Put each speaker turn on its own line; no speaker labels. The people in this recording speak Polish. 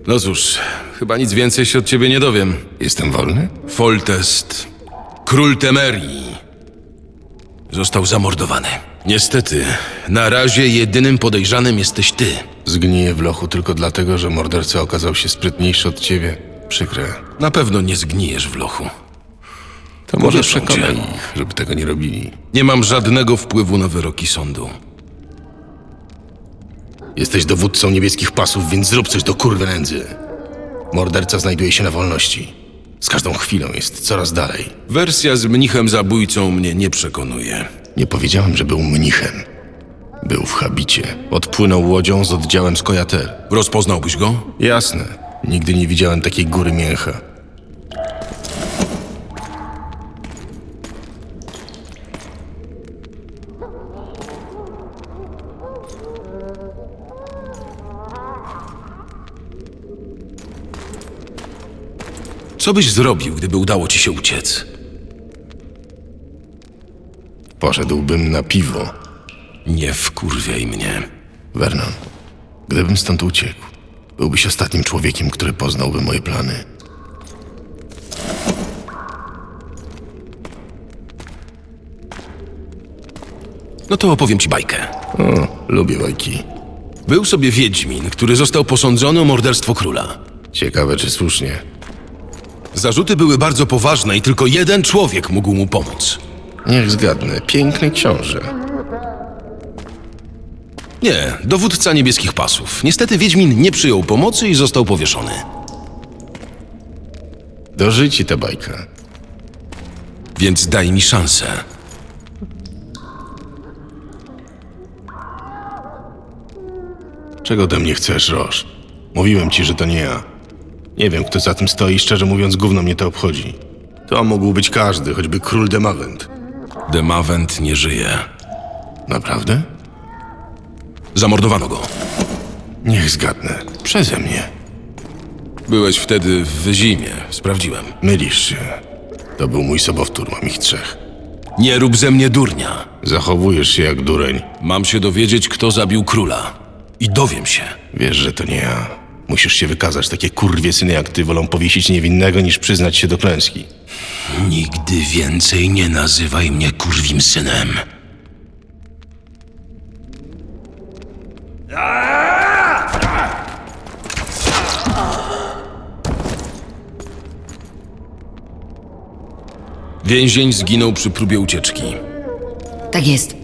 No cóż, chyba nic więcej się od ciebie nie dowiem.
Jestem wolny?
Foltest, król Temerii, został zamordowany. Niestety, na razie jedynym podejrzanym jesteś ty.
Zgniję w lochu tylko dlatego, że morderca okazał się sprytniejszy od ciebie. Przykre.
Na pewno nie zgnijesz w lochu.
To może
Powieszą
przekonaj
cię.
ich, żeby tego nie robili.
Nie mam żadnego wpływu na wyroki sądu.
Jesteś dowódcą niebieskich pasów, więc zrób coś do kurwy nędzy. Morderca znajduje się na wolności. Z każdą chwilą jest coraz dalej.
Wersja z mnichem zabójcą mnie nie przekonuje.
Nie powiedziałem, że był mnichem. Był w habicie. Odpłynął łodzią z oddziałem z Kojater.
Rozpoznałbyś go?
Jasne. Nigdy nie widziałem takiej góry mięcha.
Co byś zrobił, gdyby udało ci się uciec?
Poszedłbym na piwo.
Nie wkurwiaj mnie.
Vernon, gdybym stąd uciekł, byłbyś ostatnim człowiekiem, który poznałby moje plany.
No to opowiem ci bajkę.
O, lubię bajki.
Był sobie wiedźmin, który został posądzony o morderstwo króla.
Ciekawe, czy słusznie.
Zarzuty były bardzo poważne i tylko jeden człowiek mógł mu pomóc.
Niech zgadnę. Piękny książę.
Nie, dowódca niebieskich pasów. Niestety wiedźmin nie przyjął pomocy i został powieszony.
Dożyci ta bajka.
Więc daj mi szansę.
Czego ode mnie chcesz, Roż? Mówiłem ci, że to nie ja. Nie wiem, kto za tym stoi i szczerze mówiąc, gówno mnie to obchodzi. To mógł być każdy, choćby król Demavent.
Demavent nie żyje.
Naprawdę?
Zamordowano go.
Niech zgadnę. Przeze mnie.
Byłeś wtedy w Wyzimie. Sprawdziłem.
Mylisz się. To był mój sobowtór, mam ich 3.
Nie rób ze mnie durnia.
Zachowujesz się jak dureń.
Mam się dowiedzieć, kto zabił króla. I dowiem się.
Wiesz, że to nie ja. Musisz się wykazać. Takie kurwiesyny jak ty wolą powiesić niewinnego, niż przyznać się do klęski.
Nigdy więcej nie nazywaj mnie kurwim synem. Więzień zginął przy próbie ucieczki.
Tak jest.